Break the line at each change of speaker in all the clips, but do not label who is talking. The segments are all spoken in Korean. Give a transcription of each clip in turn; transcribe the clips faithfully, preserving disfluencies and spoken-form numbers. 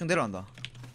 좀 내려간다.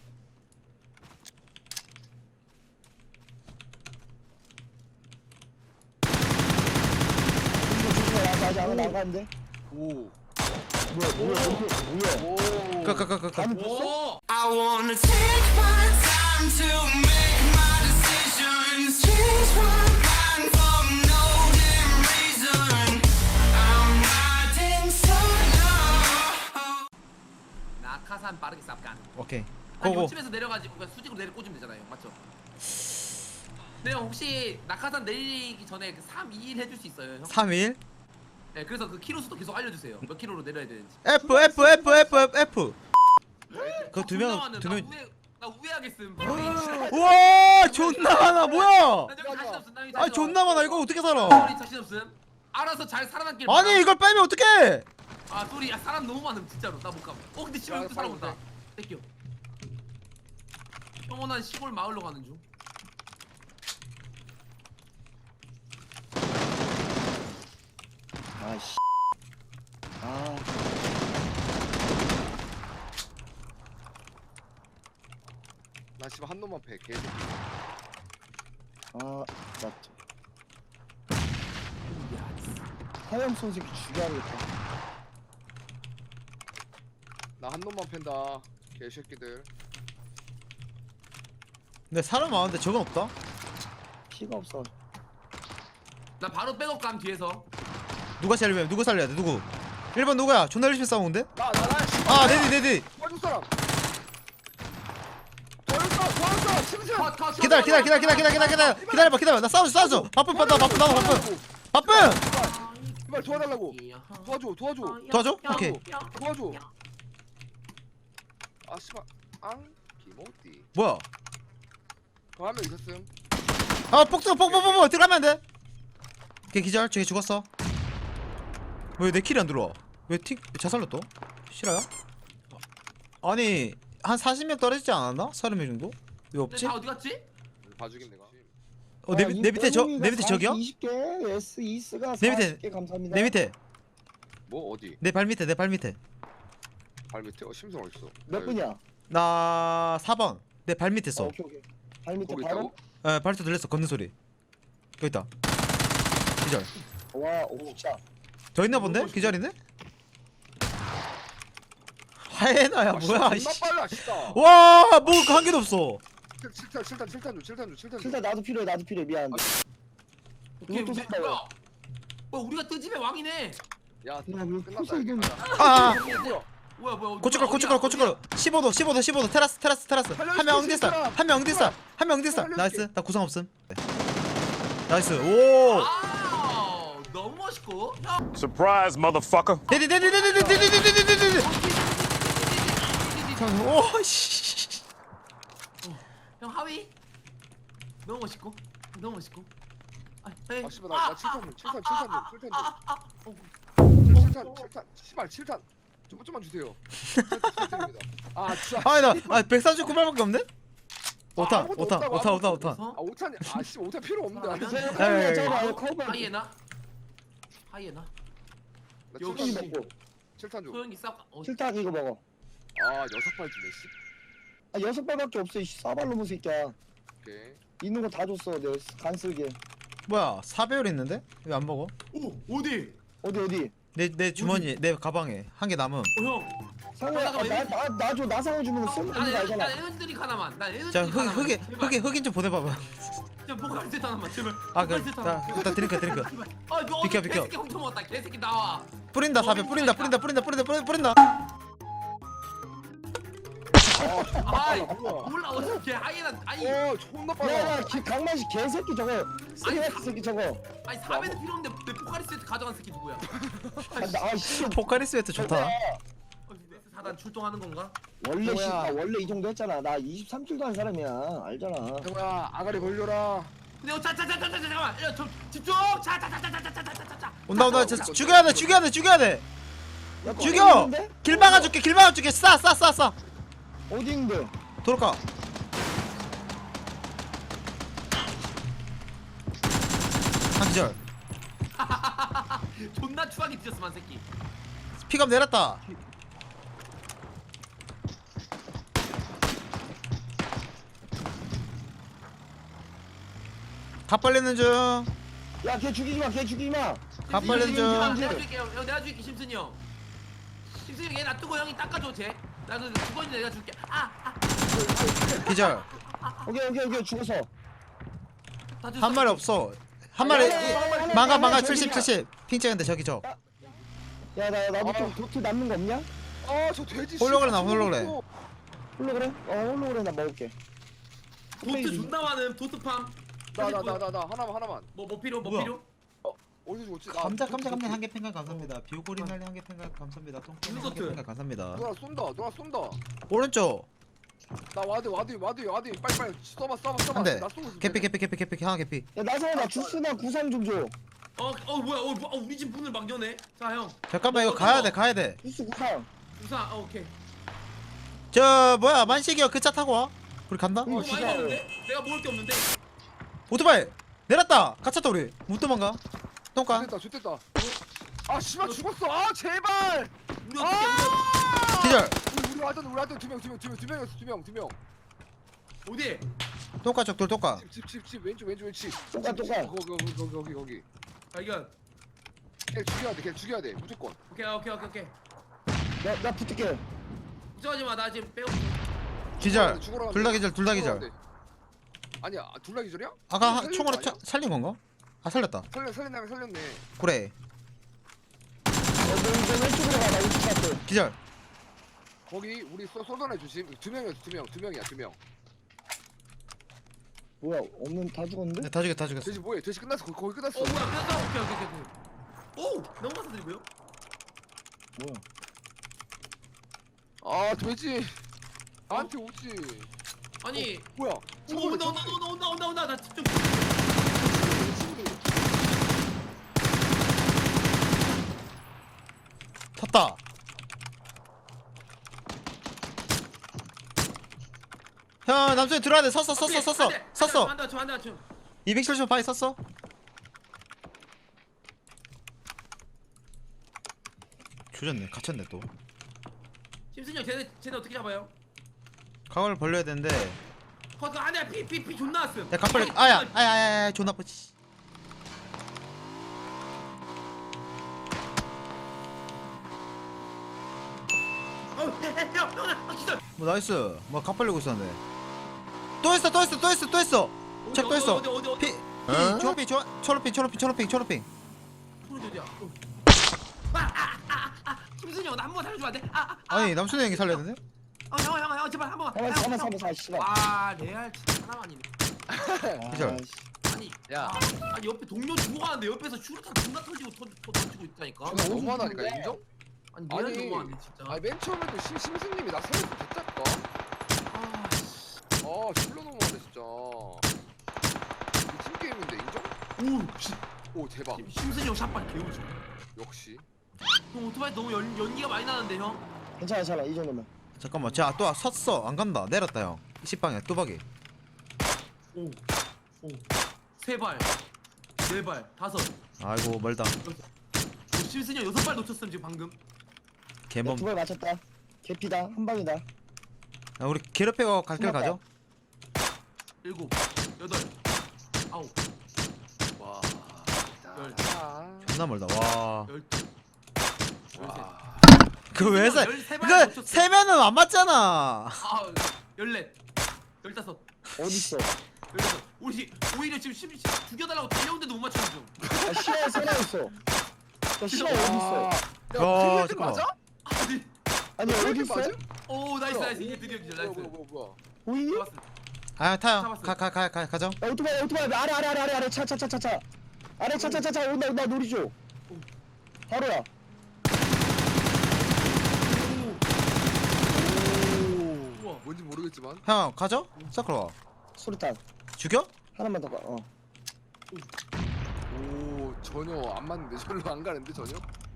아직 안 나가는데?
오.
뭐야 뭐야 뭐야 뭐야?
까까까까.
감이 폈어?
오.
I wanna take my time to make my decisions. Change my mind for no damn reason. I'm riding solo.
낙하산 빠르게 쌉간.
오케이.
한
고고.
요쯤에서 내려가지고 그냥 수직으로 내려 꽂으면 되잖아요, 맞죠? 네, 혹시 낙하산 내리기 전에 그 삼, 이, 일 해줄 수 있어요, 형?
삼 일.
네, 그래서 그 키로 수도 계속 알려주세요. 몇 킬로로 내려야 되는지.
F F F F F F. 그 두 명 두 명.
나 우회하겠음.
우와 존나 많아 뭐야?
나 저기 자신 없음. 나 여기
아
자신
존나
없음.
많아 이거 어떻게 살아?
소리 자신 없음. 알아서 잘 살아남길.
아니
바람.
이걸 빼면 어떡해?
아 소리, 야 사람 너무 많음 진짜로. 나 못 가. 어 근데 씨발 여기 또 사람 온다. 땡겨. 평온한 시골 마을로 가는 중.
아씨. 아.
나 지금 한 놈만 패 계속.
아 맞죠. 하염 손새끼 죽여야겠다.
나 한 놈만 팬다 개새끼들.
근데 사람 많은데 저건 없다?
피가 없어.
나 바로 백업 감 뒤에서.
누가 살려야 누가 살려야 돼 누구? 일 번 누구야? 존나 열심히 싸우는데?
나나나
아 네디 네디.
도와줄 사람. 도와줄 사람 도와줄 사람 심지어.
컷, 컷, 컷,
기다려
컷,
기다려
컷,
기다려
컷,
기다려 기다려 기다려 기다려 기다려봐 기다려 나 싸워줘 싸워줘 바쁜 바빠 바쁜 나도 바쁜 바쁜
제발 도와달라고. 도와줘 도와줘
도와줘? 오케이
도와줘. 아 씨발 앙 기모띠.
뭐야
더 한 명 있었음.
아 폭도 폭폭폭폭 들어가면 안돼 걔 기절 저기 죽었어 왜 내 킬이 안 들어와 왜 틱 자살로 또 실화야? 아니 한 사십 명 떨어지지 않았나? 서른 명 정도? 왜
근데
없지?
다 어디 갔지?
봐주긴 내가.
어 내 내 밑에 저 내 밑에 저기요?
이십 개, S 이스가
내 밑에,
사십 개 감사합니다.
내 밑에
뭐 어디?
내 발 밑에 내 발 밑에
발 밑에? 어 심성 어딨어?
몇 분이야?
나 사 번 내 발 밑에
어,
있어
오케이 오케이. 발 밑에
거기
바로.
있다고?
에 발소 들렸어 걷는 소리 여기 있다 기절
와, 오 진짜.
더 있나 본데? 기절이네? 하에나야
아,
뭐야
존나
이씨.
빨라 진짜.
와, 뭐 한 개도 없어.
칠 탄 칠 탄 칠 탄 줘 칠 탄 줘 칠 탄 줘.
진짜 나도 필요해, 나도 필요해. 미안.
오케이,
이것도
우리,
샀다,
뭐야? 뭐 우리가 뜨집의 왕이네.
야
야, 왜
끝났다.
벌써 이겼냐?
가자.
아, 아.
뭐야?
뭐야 뭐야?
고춧가루, 고춧가루, 고춧가루. 십오 도, 십오 도, 십오 도. 테라스, 테라스, 테라스. 한 명 엉디살, 한 명 엉디살, 한 명 엉디살. 나이스. 나 구상 없음. 네. 나이스. 오.
아, 너무 멋있고. 형.
Surprise, motherfucker.
데디, 데디, 데디, 데디, 데디, 데디, 데디, 데디. 오, 씨.
형 하위. 너무 멋있고. 너무 멋있고. 아, 에이.
아 씨발 나나 칠 탄 줘 칠 탄 칠 탄 줘 칠 탄 줘.
아, 아, 어.
칠 탄 칠 탄 씨발 칠 탄. 좀 좀만 주세요. 칠 탄입니다. 아 진짜.
아니 나, 아 백사십구 발밖에 없네. 오 탄,
아무것도
오 탄,
없다고,
오 탄, 오 탄, 오
아무것도
탄.
어?
아 오탄이 아씨 오탄 필요 없는데.
아,
나
저
야, 야,
커브야,
야.
저거 커브.
하이에나. 하이에나.
칠
여기
탄
먹고.
칠 탄 줘.
소영이 싸. 어.
칠탁 이거 먹어.
아 여섯 발 주네 씨.
아 여섯 발밖에 없어. 이 싸발로 무 새끼야.
오케이.
있는 거 다 줬어. 내 간쓸게.
뭐야, 사배율 있는데? 왜 안 먹어?
오, 어디?
어디 어디?
내, 내 주머니, 내 가방에 한 개 남음.
어, 형.
상호야, 아, 나나나줘 나상호 주면 쓸모
난
있는 거
에어,
알잖아.
난 에너지 드링크 하나만. 난 에너지
자,
드링크
흑,
하나만.
흑인,
제발.
흑인, 흑인 좀 보내봐봐.
저 포카리 세트 하나만 제발.
아, 그,
포카리 세트
자,
하나만.
일단 드링크, 드링크.
아, 이거
비켜,
어디
비켜.
개새끼 훔쳐 먹었다. 개새끼 나와.
뿌린다, 사배, 뿌린다, 뿌린다, 뿌린다, 뿌린다, 뿌린다, 뿌린다.
아,
뭐야?
몰라 어떻게 하이에나 아니
어 존나 빨라.
야야 강만식 개새끼 저거. 쓰레기 새끼 저거.
아니 사배는 필요 없는데 내 포카리 세트 가져간 새끼 누구야?
아, 나 씨.
포카리 스웨트 좋다.
어, 네스 사단 출동하는 건가?
원래 씨,
뭐야?
나 원래 이 정도 했잖아. 나 이십삼 킬도 한 사람이야. 알잖아.
형아 아가리 걸려라.
근데 어, 자자자자자 잠깐만. 야, 저 집중. 자자자자자자자자자.
온다, 온다. 저, 죽여야 돼, 죽여야 돼, 죽여야 돼.
야,
죽여!
어디 있는데?
길 막아줄게, 길 막아줄게. 싸, 싸, 싸, 싸.
어디 있는데?
돌아가. 한 기절.
존나 추하게 뒤졌어만 새끼.
픽업 내렸다. 가 빨리는 중.
야, 걔 죽이지 마, 걔 죽이지 마.
가 빨리는
내가
중.
내가 줄게요. 형 내가 줄게 심순이 형. 심순이 형얘 놔두고 형이 닦아줘 쟤. 나도 죽었는데 내가 줄게. 아, 아.
기절.
오케이, 오케이, 오케이, 죽었어.
다 줬어.
한 마리 없어. 한 마리.
아니,
망가 망가
저기
칠십 칠십. 핑 찍은데 저기 저.
야, 나, 나도
아.
좀 도트 남는 거 없냐?
아저 돼지
홀로그램 나,
씨발,
홀로그램.
저거
홀로그램? 어, 홀로그램 나 먹을게.
도트 존나 많음. 도트팜.
나, 나, 나, 나, 나 하나만 하나만.
뭐뭐 필요 뭐
뭐야?
필요?
어디서 죽었지? 나
감자
도트,
감자 감자
도트.
한 개 팽갈 감사합니다. 비오고리 날리 한개 팽갈 감사합니다. 똥꼬
무슨
한개
소트?
팽갈 감사합니다.
누나 쏜다. 누나 쏜다.
오른쪽
나 와드 와드 와드 와드 빨리 빨리 써봐 써봐 써봐.
한 대.
나 쏘고 있을
개피
텐데.
개피 개피 개피 하나 개피.
야, 나성아, 나 주스나 구상 좀 줘.
어, 어 뭐야? 어, 뭐, 어 우리 집 문을 막 여네. 자 형.
잠깐만 이거
어,
가야
어.
돼 가야 돼.
주스 구상.
우사. 어, 오케이.
저 뭐야 만식이야 그 차 타고 와. 우리 간다.
어, 많이
진짜.
먹는데? 내가 먹을 게 없는데.
오토바이 내렸다. 갇혔다 우리. 못 도망가. 똥까.
좋됐다 좋됐다. 아 씨발 죽었어. 아 제발.
우리 어떻게 우리
기절.
우리 우리 와드 우리 와드 두명두명두명두 명이었어 두명두 명.
어디?
똥까 쪽돌 똥까.
집집집 왼쪽 왼쪽 왼쪽.
똑같, 똑같.
거기 거기 거기 거기 거기.
발견.
걔 죽여야 돼. 걔 죽여야 돼. 무조건.
오케이 오케이 오케이 오케이.
나, 나 붙을게.
걱정하지 마. 나 지금 빼고.
기절.
죽으러
둘 다
가는데.
기절 둘 다
죽으러
기절.
가는데. 아니야 둘 다 기절이야?
아까 한-
살린
총으로
거
차,
아니야?
살린 건가? 아 살렸다.
살려 살린다면 살렸네.
그래.
야, 너 이제 왼쪽으로 가, 나 우측 갈게.
기절.
거기 우리 쏘 쏘던애 조심. 두 명이었어 두 명. 두 명이야 두 명.
뭐야, 없는 다 죽었는데?
네, 다 죽였다 다 죽였어.
돼지 뭐해? 돼지 끝났어. 거기, 거기 끝났어.
어 뭐야? 끝났어. 오케이 오케이 오케이. 오 넘어가서 드리고요.
뭐야?
아 돼지. 나한테 오지.
아니.
뭐야?
오, 온다 온다 온다 온다 온다 온다. 나 집중.
탔다. 형 남순이 들어야 돼. 섰어 섰어 섰어 섰어.
한다 저 한다 저.
이백칠십 바위 섰어. 조졌네. 갇혔네 또.
심순이 형 쟤네 쟤네 어떻게 잡아요?
각을 벌려야 되는데.
거기 안에 피피피 존나 왔음.
야 각벌려. 아야 아야 아야 아야 존나 쁘지.
어형형 기절.
뭐 나이스. 뭐 각벌리고 있었는데. 또 했어 또 했어 또 했어 또 했어. 책 또 했어.
어디 어디 어디.
피. 피. 초록핑 초 초록핑 초록핑 초록핑 초록핑.
소리 어디야? 어. 아, 아, 아, 아, 심순이 형 나 한 번 살려주면 안 돼? 아, 아, 아.
아니 남순이 형이 살려야 되는데?
어, 형, 형, 형, 제발 한 번만.
가만,
형,
가만,
형.
가만, 가만, 씨발.
아, 레알 진짜 하나만이네.
기절.
아, 씨.
아니,
야.
아, 아니 옆에 동료 죽어가는데 옆에서 슈루탄 존나 터지고 터, 터, 던지고 있다니까.
아, 너무하다니까 인정?
아니, 레알
아니.
너무하네 진짜.
아니 맨 처음에도 심 심수님이 나 살려서 됐다니까.
아, 씨.
아 졸라 너무하네 진짜. 이팀 게임인데 인정?
오, 씨.
오 대박.
심순이 형 샷발 개우지.
역시.
형 오토바이 너무 연, 연기가 많이 나는데 형.
괜찮아, 괜찮아, 이 정도면.
잠깐만. 자 또 섰어. 안 간다. 내렸다 형. 십방에 뚜벅이.
오, 오, 세 발, 네 발, 다섯.
아이고 멀다.
오, 심순이 형 여섯 발 놓쳤음 지금 방금.
개몸.
두발 맞췄다. 개피다, 한 방이다.
야, 우리 괴롭히고 갈 길 가죠.
일곱, 여덟, 아홉,
와.
열.
아.
존나 멀다. 와.
열두, 열셋.
와.
그 왜 세?
열세 발
그
놓쳤어.
세면은 안 맞잖아.
아, 열넷, 열다섯,
어딨어?
열여섯. 우리 오히려 지금 십, 십 죽여달라고 달려오는데도 못 맞추는 중.
아, 시야에 살아있어. 야, 시야 어딨어?
야,
야, 필드
잠깐만.
맞아?
아니,
아니,
필드
어딨어?
맞아?
오 나이스
뭐야?
나이스 이게 드디어 기절
뭐야
나이스.
뭐야 뭐야 뭐야.
보이니? 야,
잡았어.
아 타요.
잡았어요.
가 가 가 가 가죠.
오토바이, 오토바이, 아래, 아래, 아래, 아래, 아래, 차, 차, 차, 차, 차. 아래, 차, 차, 차, 차, 온다, 온다, 노리죠. 바로야.
우와.
뭔지 모르겠지만.
형 가죠. 서클 와.
수류탄.
죽여?
하나만 더 가, 어.
오 전혀 안 맞는데 절로 안 가는데 전혀.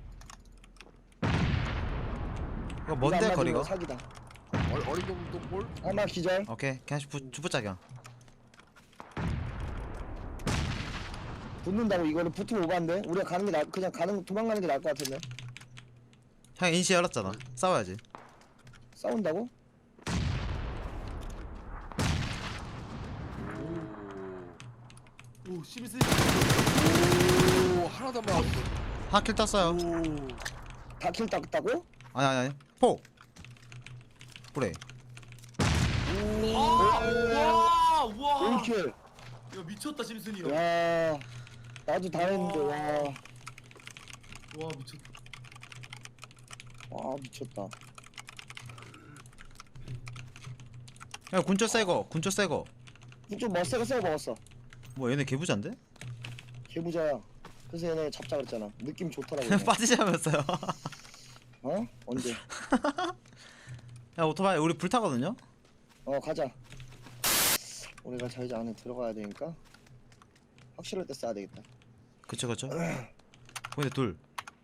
이거 뭔데
이거 안
거리가?
맞으면 사기다.
어리 어린 놈도 볼?
하나 기절.
오케이. 그냥 부 주부짝이야.
붙는다고 이거는 붙으면 오반데? 우리가 가는 게 나, 그냥 가는, 도망가는 게 나을 것 같은데?
형 인시 열었잖아. 싸워야지.
싸운다고?
오. 오 심슨. 오 하나도 안 맞았어.
하킬 땄어요.
다킬 땄다고?
아니 아니 아니. 폭. 그래.
와, 와.
올킬.
야 미쳤다 심슨이 형.
야 나도 다 했는데 와.
와 미쳤다.
와 미쳤다.
야 군초 새거 군초 새거.
좀 멋세게 쎄 먹었어.
뭐 얘네 개부자인데?
개부자야. 그래서 얘네 잡자 그랬잖아. 느낌 좋더라고. 얘네.
빠지자면서요.
어? 언제?
야 오토바이 우리 불 타거든요.
어 가자. 우리가 자이자 안에 들어가야 되니까 확실할 때 써야 되겠다.
그쵸 그쵸. 근데 둘.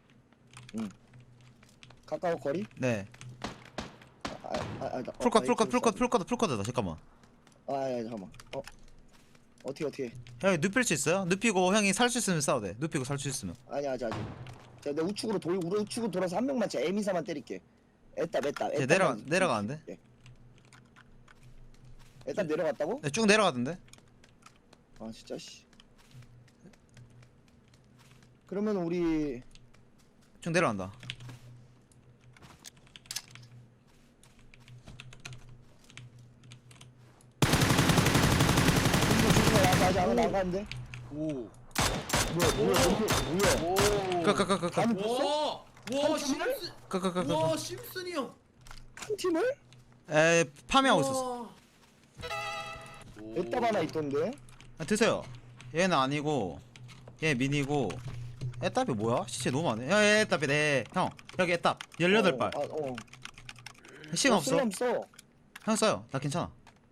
가까워 거리?
네.
아, 아, 아, 나- 어,
풀컷
아,
풀컷
이쪽으로
풀컷
쏴.
풀컷 풀컷이다. 잠깐만.
아, 야, 잠깐만. 어, 어떻게 어떻게?
형이 눕힐 수 있어요? 눕히고 형이 살 수 있으면 싸워 돼. 눕히고 살 수 있으면.
아니 아직 아직. 자, 내 우측으로 돌, 우리 우측으로 돌아서 한 명만 제 에미사만 때릴게. 에따 에따
쟤 내려가 내려가는데?
에따 내려갔다고?
네, 쭉 내려가던데?
아 진짜 씨. 그러면 우리
쭉 내려간다.
조심해. 나 아직 안 나가는데.
오.
뭐야 뭐야 뭐야 뭐야?
오.
끄끄끄끄끄
다 눕혔어?
와, 와 심슨.
끄끄끄끄.
와 심슨이 형.
한 팀을?
에 파밍하고 있었어.
와.
에따 하나 있던데.
아, 드세요. 얘는 아니고 얘 민이고. 애답이 뭐야? 시체 너무 많네. 야 애답이 네. 형 여기 애답 열여덟 발.
어, 아, 어.
시간 없어.
쓸람 써.
형 써요. 나 괜찮아.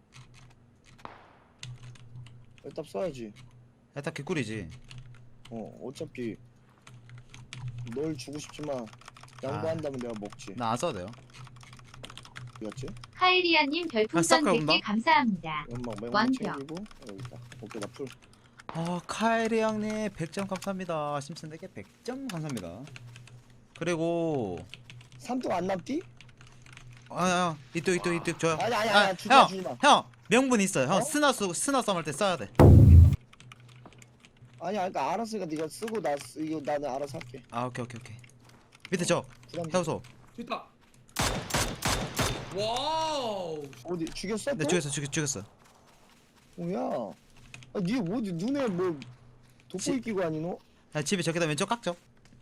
에따 써야지.
애답 개꿀이지.
어 어차피 널 주고 싶지만 양보한다면 내가 먹지.
나 안 써도 돼요.
뭐였지?
카이리아님
아,
별풍선
싹
백 개
가본다.
감사합니다.
연막 매운
완벽.
챙기고 여기 있다. 오케이 나 풀.
아 카이리 형님 백 점 감사합니다. 심슨에게 백 점 감사합니다. 그리고
삼뚝 안 남디?
아야 이쪽 이쪽 이쪽 줘요.
아니 아니
아,
아니 주지 마
형,
주지 마.
형 명분 있어요. 형
어?
스나 쓰 스나 썸할 때 써야 돼.
아니 그러니까 알았으니까 네가 쓰고 나 쓰, 이거 나는 알아서 할게.
아 오케이 오케이 오케이. 밑에 저
부담.
해우소.
됐다. 와우.
어디 죽였어?
네
또?
죽였어 죽였 죽였어.
뭐야? 아, 니 어디 눈에 뭐
지-
돋보이 끼고 아니노?
야, 집에 저기다 왼쪽 깍죠.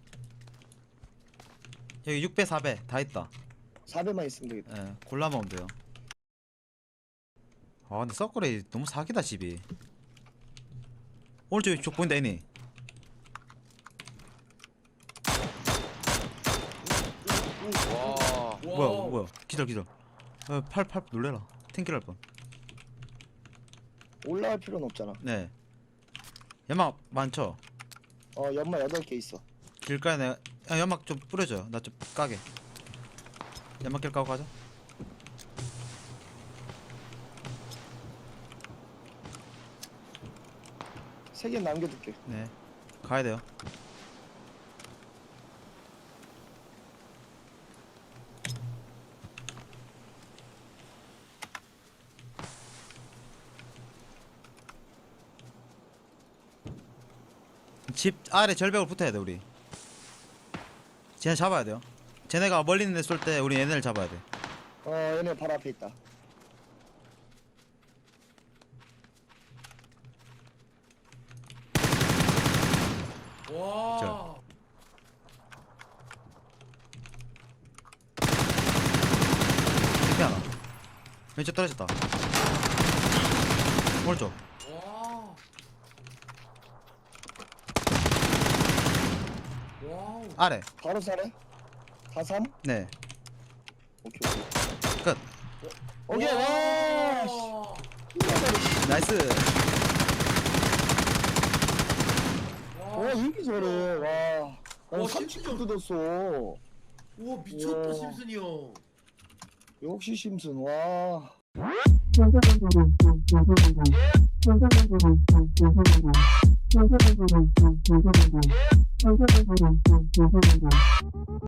여기 육 배 사 배 다 있다.
사 배만 있으면 되겠다.
예, 골라 먹으면 돼요. 아 근데 서클이 너무 사기다 집이. 오른쪽에 쪽 보인다 애니.
와.
뭐야 뭐야 기절 기절. 어, 팔 팔 놀래라. 탱킬 할 뻔.
올라갈 필요는 없잖아.
네. 연막 많죠.
어 연마 여덟 개 있어.
길가에 내가 야, 연막 좀 뿌려줘요. 나 좀 까게. 연막 길 까고 가자.
세 개 남겨둘게.
네. 가야 돼요. 집 아래 절벽을 붙어야 돼 우리. 쟤네 잡아야 돼요. 쟤네가 멀리 있는 애 쏠 때 우리 얘네를 잡아야 돼.
어 얘네 바로 앞에 있다.
와.
자. 이렇게 하나. 왼쪽 떨어졌다. 오른쪽.
와. 와우.
아래.
바로 사래? 다 삼?
네.
오케이 오케이.
끝.
오케이 와. 씨.
와.
나이스.
와 이렇게 잘해. 와. 난
와,
삼십
심지어-
개 뜯었어.
우와 미쳤다
우와.
심슨이 형.
역시 심슨 와.